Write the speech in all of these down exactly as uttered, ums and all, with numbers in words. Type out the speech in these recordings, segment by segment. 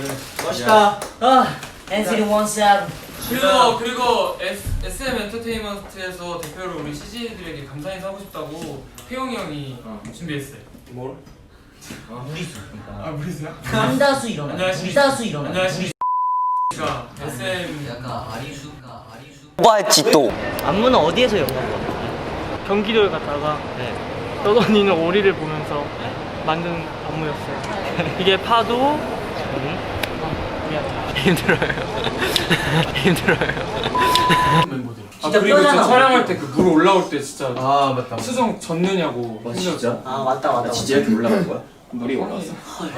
멋있다. 아, 엔시티 원세븐. 그리고 그리고 에스엠 엔터테인먼트에서 대표로 우리 씨지들에게 감사 인사 하고 싶다고 태용이 형이 어. 준비했어요. 뭘? 아 무리수. 아 무리수야? 남다수 일어나. 무리다수 일어나. 안녕하십니까. 에스엠 약간 아리수가 아리수. 뭐가 했지 또? 안무는 어디에서 연구한 거야? 경기도에 갔다가 네. 떠다니는 오리를 보면서 만든 안무였어요. 이게 파도. 힘들어요. 힘들어요. 멤버들. 아 진짜 그리고 뼈잖아. 저 촬영할 때 그 물 올라올 때 진짜 아 맞다. 수정 젖느냐고. 와, 진짜? 아 맞다 맞다. 진짜 이렇게 올라간 거야? 물이 올라왔어.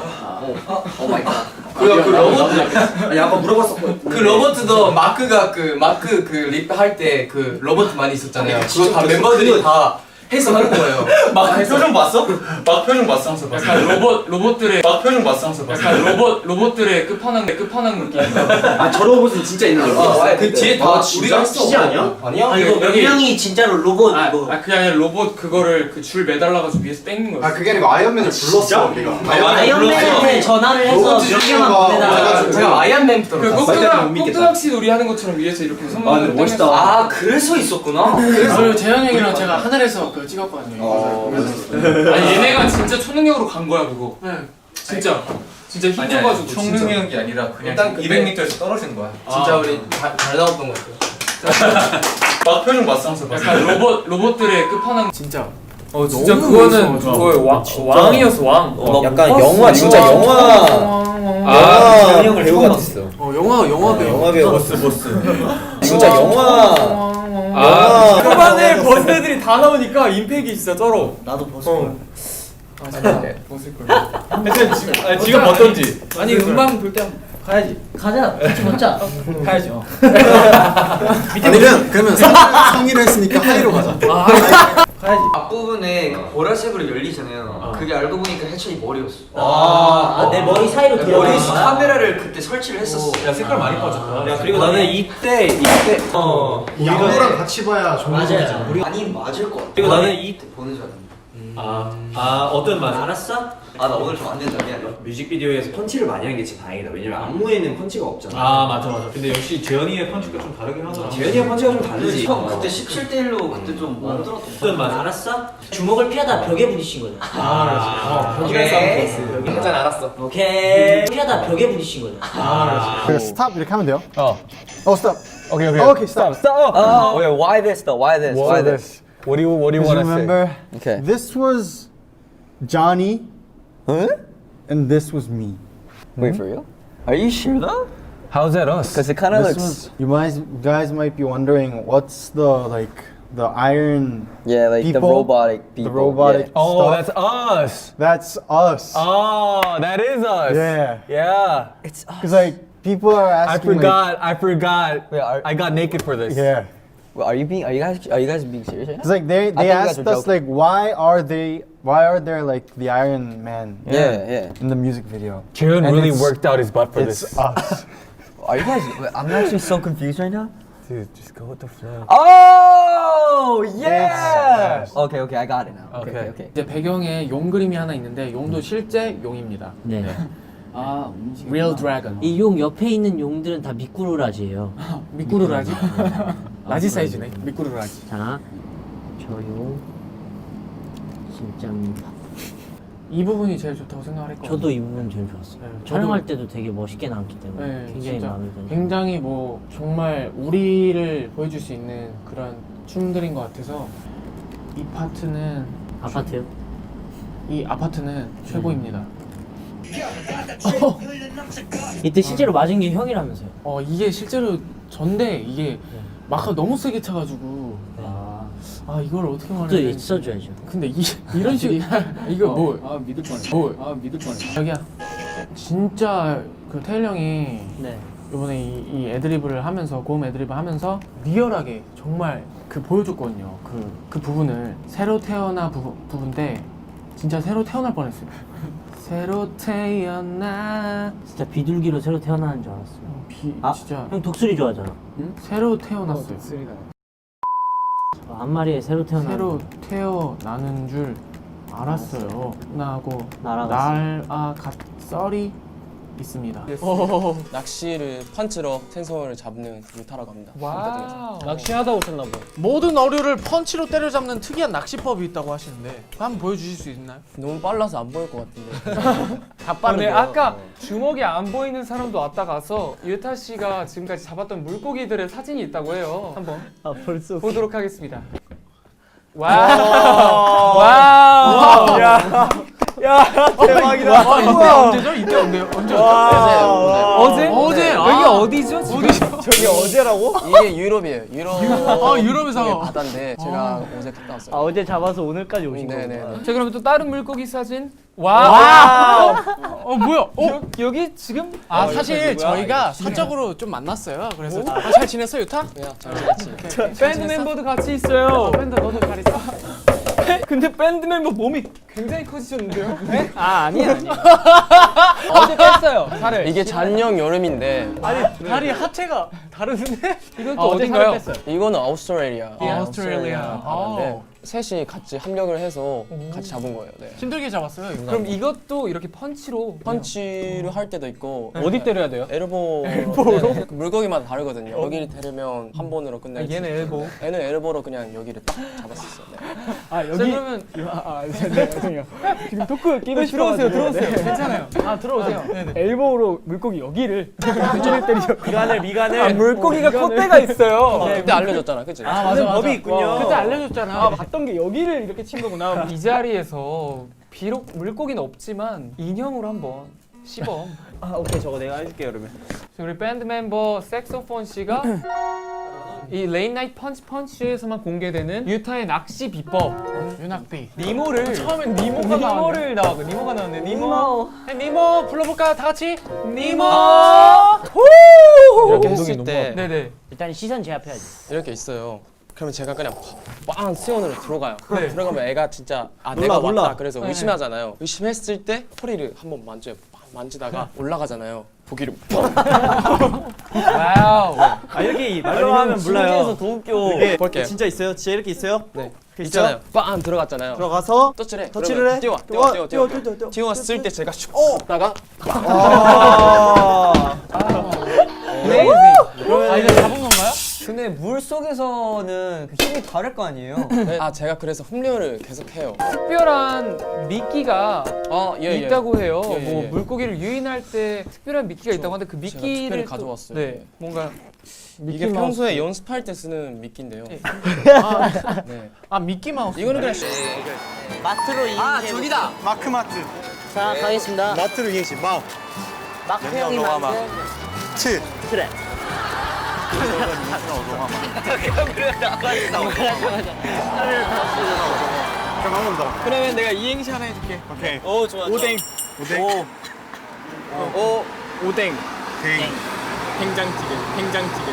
오 마이 갓. 그, 그 로버트 아니 아까 물어봤었거든. 그 로버트도 마크가 그 마크 그 립 할 때 그 로버트 많이 있었잖아요. 그거 다 멤버들이 다 해서 하는 거예요. 막 표정 봤어? 막 표정 봤어 항상 봤어. 약간 로봇 로봇들의 막 표정 봤어 항상 봤어. 약간 로봇 로봇들의 끝판왕 끝판왕 느낌. 아 저 로봇은 진짜 있는 거. 아, 그 뒤에 다 진짜? 우리가 했어. 진짜 아니야? 아니야? 아 이거 몇 여기- 명이 진짜로 로봇 아, 이거. 아 그게 아니라 로봇 그거를 그 줄 매달라가지고 위에서 땡긴 거였어. 아 그게 아니고 아이언맨을 불렀어 우리가. 아이언맨한테 전화를 해서 몇 개만 보내달라고. 제가 아이언맨부터 그 봤어요. 꼭두각 못 믿겠다. 꼭두각시 놀이 하는 것처럼 위에서 이렇게 아 손만 근데 멋있다. 아 그래서 있었구나. 그리고 재현 형이랑 제가 하늘에서 그거 찍었거든요. 아니 얘네가 진짜 초능력으로 간 거야 그거. 네. 진짜 진짜 힘줘가지고 총능력이 게 아니라 그냥 일단 근데- 이백 미터에서 떨어진 거야. 진짜 우리 잘, 잘 나왔던 것 같아요. 막 표정 봤어 항상 봤어. 약간 로봇 로봇들의 끝판왕. 진짜. 어 진짜 그거는 그거의 왕 왕이었어 왕. 어, 약간 영화 진짜 영화 아, 재현이 형을 배우 같았어. 어 영화 영화 배우. 영화 배우 보스 보스. 진짜 영화. 아, 초반에 버스 애들이 다 나오니까 임팩이 진짜 쩔어. 나도 벗을 아 잠깐 벗을 걸. 하여튼 지금 아니, 지금 어떤지. 아니 음방 볼 때 가야지. 가자 같이 벗자. 가야지. 어. 아니면 그러면 상의를 했으니까 하이로 가자. 가야지. 앞부분에 보라색으로 열리잖아요. 그게 알고 보니까 해찬이 머리였어. 아 내 머리 사이로 들어가. 머리 카메라를 그때 설치를 했었어. 야 색깔 많이 빠졌다. 야 그리고 나는 이때 이때 어 양호랑 같이 봐야 좋은 거지. 맞아요. 우리 아니 맞을 것 같아. 그리고 나는 이 보는 줄 알았는데. 아, 아 어떤 맛? 알았어? 아 나 오늘 좀 안 된다 미안해. 뮤직비디오에서 펀치를 많이 한 게 진짜 다행이다. 왜냐면 안무에는 펀치가 없잖아. 아 맞아 맞아. 근데 역시 재현이의 펀치가 좀 다르긴 하더라. 재현이의 펀치가 좀 다르지. 형 그때 십칠 대 일로 그때 좀 힘들었던 어떤 맛? 알았어? 주먹을 피하다 벽에 부딪힌 거잖아. 아 그렇지. 오케이. 한잔 알았어. 오케이. 피하다 벽에 부딪힌 거잖아. 그 스탑 이렇게 하면 돼요? 어. 어 스탑. 오케이 오케이. 오케이 스탑. Oh, wait, why this though? Why this? Why this? What do you What do you Because want to say? remember, Okay. this was Johnny, Huh? and this was me. Wait for real? Are you sure though? How's that us? Because it kind of This looks. was. You guys, guys might be wondering what's the like the iron. Yeah, like the people, robotic people. The robotic. Yeah. Oh, stuff. that's us. That's us. Oh, that is us. Yeah. Yeah. It's. Because like people are I asking. forgot. I forgot. Wait, are, I got naked for this. Like, yeah. well, are you being? Are you guys? Are you guys being serious right now? It's like they they thought you guys asked were us joking. like why are they why are there like the Iron Man Yeah, yeah. in the music video? Jaron And really it's- worked out his butt for It's this. us. Are you guys? wait, I'm actually so confused right now. Dude, just go with the flow. Oh yeah. Okay, okay, I got it now. Okay, okay, okay. 이제 배경에 용 그림이 하나 있는데 용도 실제 용입니다. 네. 아 Real Dragon. 이 용 옆에 있는 용들은 다 미꾸루라지예요. 미꾸루라지. 라지 사이즈네. 미꾸루라지. 자, 저 용 진짜입니다. 이 부분이 제일 좋다고 생각을 했거든요. 저도 이 부분 제일 좋았어요. 네, 저도- 촬영할 때도 되게 멋있게 나왔기 때문에 네, 굉장히 진짜 마음에 드는. 굉장히 뭐 정말 우리를 보여줄 수 있는 그런 춤들인 것 같아서 이 파트는 아파트요? 이 아파트는 최고입니다. 이때 실제로 맞은 게 형이라면서요? 어 이게 실제로 전데 이게 마카 너무 세게 차가지고 아, 아 이걸 어떻게 또 말해야 되지? 있어줘야죠. 근데 이 이런 식 이거 뭐? 아 믿을 뻔해. 뭐? 아 믿을 뻔해. 자기야 진짜 그 태일 형이 네. 이번에 이, 이 애드리브를 하면서 고음 애드리브 하면서 리얼하게 정말 그 보여줬거든요. 그, 그 부분을 새로 태어나 부, 부분인데 진짜 새로 태어날 뻔했어요. 새로 태어나 진짜 비둘기로 새로 태어나는 줄 알았어요. 비 아, 진짜 형 독수리 좋아하잖아. 응? 새로 태어났어요. 어, 한 마리에 새로 태어나. 새로 태어나는 줄 알았어요. 나하고 날아갔어. 날아갔 썰이 있습니다. 낚시를 펀치로 생선을 잡는 루타라고 합니다. 와우. 낚시하다 오셨나 봐. 모든 어류를 펀치로 때려잡는 특이한 낚시법이 있다고 하시는데 한번 보여주실 수 있나요? 너무 빨라서 안 보일 것 같은데. 다 빠르네. 아까 주먹이 안 보이는 사람도 왔다 가서 유타 씨가 지금까지 잡았던 물고기들의 사진이 있다고 해요. 한번 아 벌써. 보도록 하겠습니다. 와우. 와우. 야. 야 대박이다. 와, 이때 언제죠? 이때 언제요? 언제? 어제? 어제. 여기 아. 어디죠? 지금? 저기 어제라고? 이게 유럽이에요. 유럽. 아, 유럽에서. 이게 바다인데 제가 어제 갔다 왔어요. 아 어제 잡아서 오늘까지 오신 네네. 거구나. 자 그러면 또 다른 물고기 사진. 와우. 어 뭐야? 어? 여, 여기 지금 아 사실 저희가 사적으로 좀 만났어요. 그래서 아, 잘 지냈어 유타? 그냥 잘 지냈지. 밴드 멤버도 같이 있어요. 밴드 너도 잘 있어? 근데 밴드 멤버 몸이 굉장히 커지셨는데요? 네? 아 아니야 아니야. 어제 뺐어요 살을. 이게 작년 여름인데 아니 다리 하체가 다르는데? 이건 또 아, 어제 어딘가요? 살을 뺐어요. 이거는 아우스트레일리아. 예, 아우스트레일리아. 바다인데 셋이 같이 합력을 해서 같이 잡은 거예요. 네. 힘들게 잡았어요. 이거. 그럼 이것도 이렇게 펀치로 펀치를 할 때도 있고 어디 때려야 돼요? 엘보 엘보로 물고기마다 다르거든요. 여기를 때리면 한 번으로 끝낼 수 얘는 있고 엘보. 얘는 엘보로 그냥 여기를 딱 잡았었어요. 네. 아 자 여기. 그러면 아 네, 죄송해요. 지금 토크 끼고 들어오세요 들어오세요. 네. 괜찮아요. 아 들어오세요. 엘보로 물고기 여기를 여기를 때리죠. 미간을 미간을. 아, 물고기가 콧대가 있어요. 그때 알려줬잖아, 그치? 아 맞아 맞아. 법이 있군요. 그때 알려줬잖아. 아 봤던 게 여기를 이렇게 친 거구나. 이 자리에서 비록 물고기는 없지만 인형으로 한번 시범. 아 오케이 저거 내가 해줄게 그러면. 우리 밴드 멤버 색소폰 씨가 이 레인 나이트 펀치 펀치에서만 공개되는 유타의 낚시 비법 윤학비. 니모를 처음엔 니모가 니모를 나왔고 니모가 나왔네. 니모. 네, 니모 불러볼까요? 다 같이. 니모. 이렇게 했을 때 네네. 일단 시선 제압해야지. 이렇게 있어요. 그러면 제가 그냥 빵 수연으로 들어가요. 네. 들어가면 애가 진짜 아 놀라, 내가 놀라. 왔다 그래서 네. 의심하잖아요. 의심했을 때 허리를 한번 만져요. 빵 만지다가 올라가잖아요. 보기를 와우. 아 이렇게 말로 하면 몰라요. 더 웃겨. 이게 볼게요. 진짜 있어요? 진짜 이렇게 있어요? 네 있어요? 있잖아요. 빵 들어갔잖아요. 들어가서 터치를 해. 터치를 그러면 해? 뛰어 뛰어, 뛰어 뛰어 뛰어, 뛰어 뛰어, 뛰어. 뛰어왔을 때 제가 슉 다가 아. 레이지. 아 이거 잡은 건가요? 근데 물 속에서는 그 힘이 다를 거 아니에요? 아 제가 그래서 흡류를 계속 해요. 특별한 미끼가 아 예, 예. 있다고 해요. 예, 예, 뭐 예. 물고기를 유인할 때 특별한 미끼가 있다고 하는데 그 제가 미끼를 특별히 또- 가져왔어요. 네, 뭔가 이게 평소에 연습할 때 쓰는 미끼인데요. 예. 네. 아 미키 마우스. 이거는 그냥 마트로 이행. 아 저기다. 마크 마트. 자 가겠습니다. 마트로 이행시 마. 마크 형이 만든 트. 트랩. 그럼 한 번 더. 그러면 내가 이행시 하나 해줄게. 오케이. 오 좋아. 오뎅. 오뎅. 오 오뎅. 댕. 된장찌개. 된장찌개.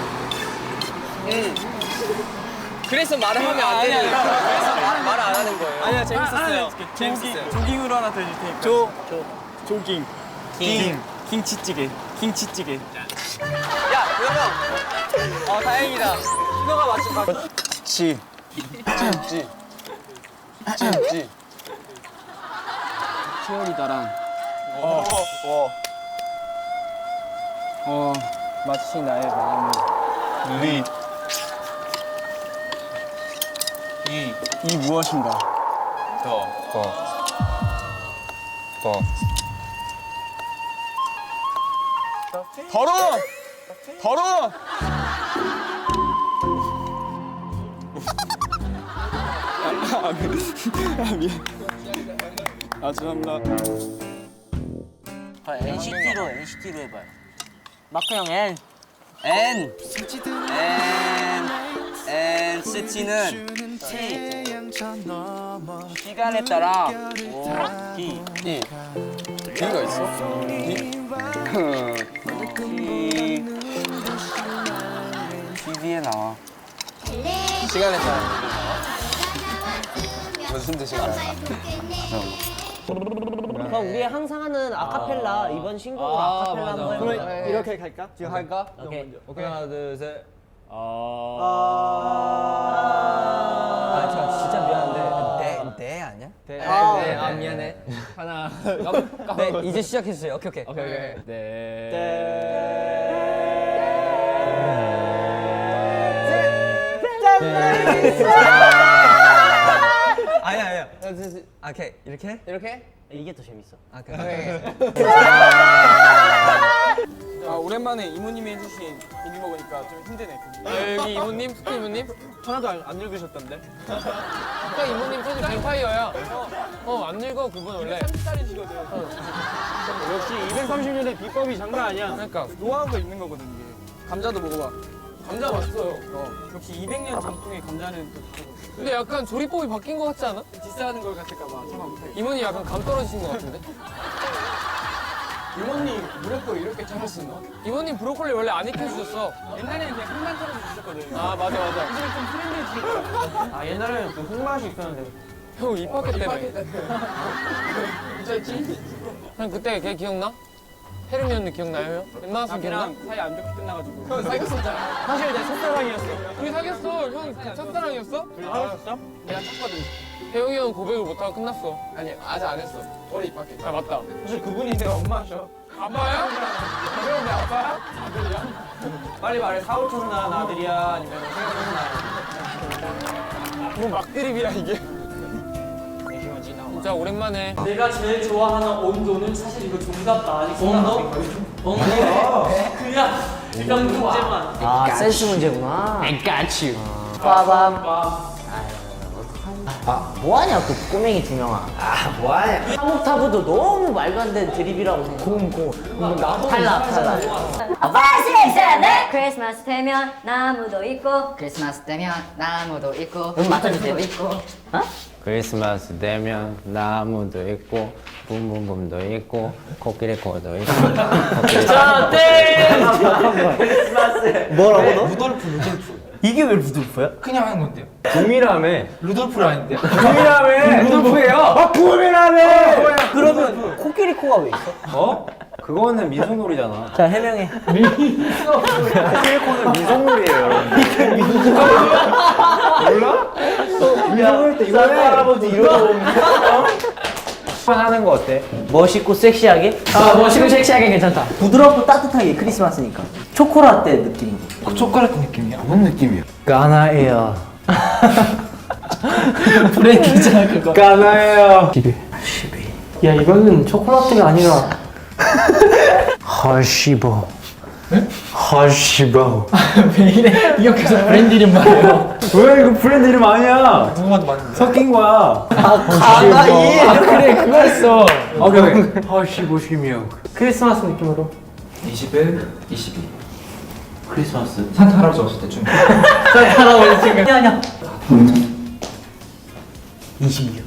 그래서 말을 하면 안 되는 거예요. 그래서 말을 안 하는 거예요. 아니야 재밌었어요. 재밌었어요. 조깅으로 하나 더 해줄 테니까. 조. 조. 조깅. 깅. 김치찌개. 김치찌개. 야 그러면 어 다행이다. 신호가 맞춘 거. 치. 찜찌. 찜찌. 치어리다랑 어. 어. 어 마치 나의 마음을 리. 이, 이 무엇인가? 더. 더. 더러워! 더러워! 아 죄송합니다. 엔시티로 엔시티로 해봐요. 마크 형 N. N N N 시티는 시간에 따라 D. 이. D가 있어? 티 티비에 나와. 시간에 따라. 무슨 뜻이야? 그럼 우리 항상 하는 아카펠라 이번 신곡으로 아, 아카펠라 한번 해볼까요? 이렇게 갈까? 지금 할까? 오케이. 오케이. 하나 둘 셋. 아, 아, 저 진짜 미안한데 네, 네 아니야? 네. 아, 네, 아 미안해. 하나. 네, 이제 시작해주세요. 오케이 오케이. 오케이 오케이. 네. 아니야 아니야. 오케이 이렇게? 이렇게? 이게 더 재밌어. 아 그래. 아, 오랜만에 이모님이 해주신 고기 먹으니까 좀 힘드네. 아, 여기 이모님, 스크 이모님? 하나도 안, 안 읽으셨던데? 스크 이모님 사실 뱀파이어야. 어, 안 늙어 그분 원래. 삼십 살이시거든. 역시 이백삼십 년의 비법이 장난 아니야. 그러니까. 노하우가 있는 거거든 이게. 감자도 먹어봐. 감자 맛있어요. 어. 역시 이백 년 전통의 감자는 또 다르고. 근데 약간 조리법이 바뀐 것 같지 않아? 디스하는 걸 같을까봐 참아 못해. 이모님 약간 감 떨어지신 것 같은데? 이모님 브로콜리 이렇게 자를 수 있나? 이모님 브로콜리 원래 안 익혀주셨어. 옛날에는 그냥 흙만 털어서 주셨거든. 아 맞아 맞아. 이제 좀 트렌디해지니까. 아 옛날에는 그 흙맛이 있었는데. 형 입학회 때문에. 형 그때 걔 기억나? 혜림이 언니 기억나요 형? 웬만하면 기억나? 걔랑 사이 안 좋게 끝나가지고. 형 사귀었었잖아. 사실 내 첫사랑이었어. 우리 사귀었어. 형 첫사랑이었어? 사귀었어? 내가 쳤거든. 혜영이 형 고백을 못하고 끝났어. 아니 아직 안 했어. 올해 입학해. 아 맞다. 사실 그분이 내 엄마셔. 아빠야? 그럼 내 아빠야? 아들이야? 빨리 말해 사오촌 낳은 아들이야 아니면 생각나. 뭐 막드립이야 이게. 진짜 오랜만에. 내가 제일 좋아하는 온도는 사실 이거 정답 아직 온도? 온도? 그냥 그냥 문제만. 아 센스 문제구나. I got you. 빠밤. 아 뭐하냐 그 꼬맹이 두 명아. 아 뭐하냐? 하모타브도 너무 말도 안 되는 드립이라고 생각해. 공공. 탈락 탈락. 크리스마스 되면 나무도 있고 크리스마스 되면 나무도 있고 음, 맞춰주세요. 있고 어? 크리스마스 되면 나무도 있고 붐붐붐도 있고 코끼리코도 있고 자, 땡! 뭐라고 너? 루돌프 루돌프. 이게 왜 루돌프야? 그냥 하는 건데요. 붐이라며. 루돌프를 아닌데. 붐이라며. 루돌프예요. 아 붐이라며! 그러면 코끼리코가 왜 있어? 어? 그거는 민속놀이잖아. 자 해명해. 코끼리코는 민속놀이에요. 몰라? 민속놀이 때 이거 할아버지 이러고 하는 거 어때? 멋있고 섹시하게? 아 멋있고 섹시하게 괜찮다. 부드럽고 따뜻하게 크리스마스니까 초코라떼 느낌. 초콜릿 느낌이야. 뭔 느낌이야? 까나예요. 브랜드잖아 그거. 까나예요. 야 이거는 초콜릿가 아니라 허시보. 허시보. 왜 이래? 이거 계속 브랜드 이름 말이에요. 왜 이거 브랜드 이름 아니야? 누구한테 맞는데? 섞인 거야. 가나이. 아 그래 그거였어. 오케이 오케이. 허시보시며. 크리스마스 느낌으로. 이십일, 이십이. 크리스마스. 산타 할아버지 왔을 때쯤. 할아버지 지금. 아니야 아니야. 이십육.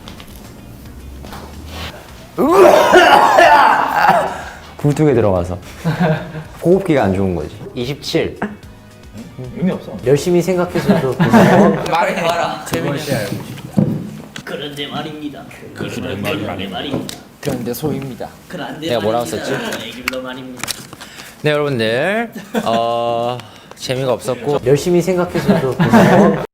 굴뚝에 들어가서 호흡기가 안 좋은 거지. 이십칠. 의미 없어. 열심히 생각해서도 말해 봐라. 재밌게. 그런데 말입니다. 그런데 말입니다. 그런데 소입니다. 그런데 내가 뭐라고 썼지? 애기로 말입니다. 네 여러분들 어 재미가 없었고 열심히 생각해서도